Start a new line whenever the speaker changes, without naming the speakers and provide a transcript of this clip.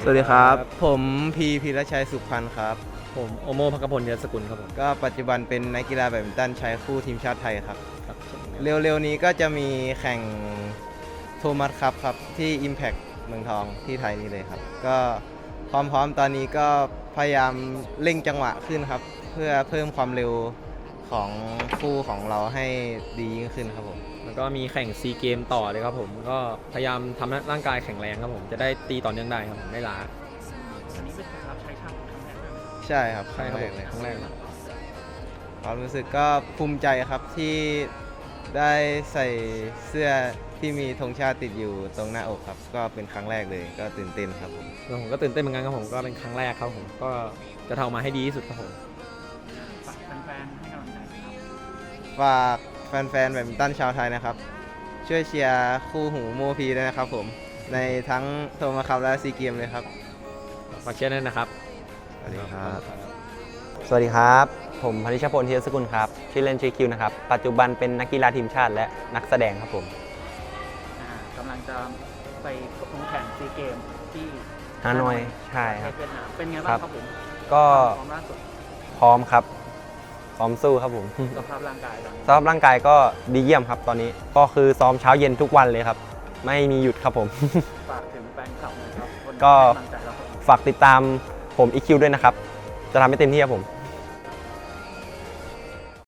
สวัสดีครับผมพีรชัยสุขพันธ์ครับ
ผมโอโมภคพลเนื้อสกุลครับผม
ก็ปัจจุบันเป็นนักกีฬาแบดมินตันชายคู่ทีมชาติไทยครับ
ครับ
เร็วๆนี้ก็จะมีแข่งโทมัสครับที่ Impact เมืองทองที่ไทยนี่เลยครับก็ความพร้อมตอนนี้ก็พยายามเร่งจังหวะขึ้นครับเพื่อเพิ่มความเร็วของคู่ของเราให้ดียิ่งขึ้นครับผม
แล้วก็มีแข่งซีเกมต่อเลยครับผมก็พยายามทำร่างกายแข็งแรงครับผมจะได้ตีต่อเนื่องได้ครับผมไม่ล้า
อันนี้เป็นการรับใช้ชาติครั้งแรกเลย
ใช่ครับ
ใช่ครับผม
เลย
ครั้งแรกครับ
ความรู้สึกก็ภูมิใจครับที่ได้ใส่เสื้อที่มีธงชาติติดอยู่ตรงหน้าอกครับก็เป็นครั้งแรกเลยก็ตื่นเต้นครับผม
แล้วผมก็ตื่นเต้นเหมือนกันครับผมก็เป็นครั้งแรกครับผมก็จะทำออกมาให้ดีที่สุดครับผม
ฝากแฟนๆให้กำลังใจครับ
ฝากแฟนๆแบดมินตันชาวไทยนะครับช่วยเชียร์คู่หูโมพีด้วยนะครับผมในทั้งโทมัสคัพและซีเกมเลยครับ
ฝากเชียร์ด้วยนะครับ
สวัสดีครับ
สวัสดีครับ ผมพนิชพลเทียสกุลครับชื่อเล่นชื่อคิวนะครับปัจจุบันเป็นนักกีฬาทีมชาติและนักแสดงครับผม
กำลังจะไปลงแข่งซีเกมที่
ฮานอยใช่ครับ
เวียดนามเป็นไงบ้างครับผม
ก็
ความล่าสุด
พร้อมครับพร้อมสู้ครับผม
สภาพร่างกายตอนนี้
สภาพร่างกายก็ดีเยี่ยมครับตอนนี้ก็คือซ้อมเช้าเย็นทุกวันเลยครับไม่มีหยุดครับผม
ฝากถึงแฟนคลับหน่อยครับคน
ก็
ให้กำลังใจเราครับ
ฝากติดตามผมอีคิวด้วยนะครับจะทำให้เต็มที่ครับผม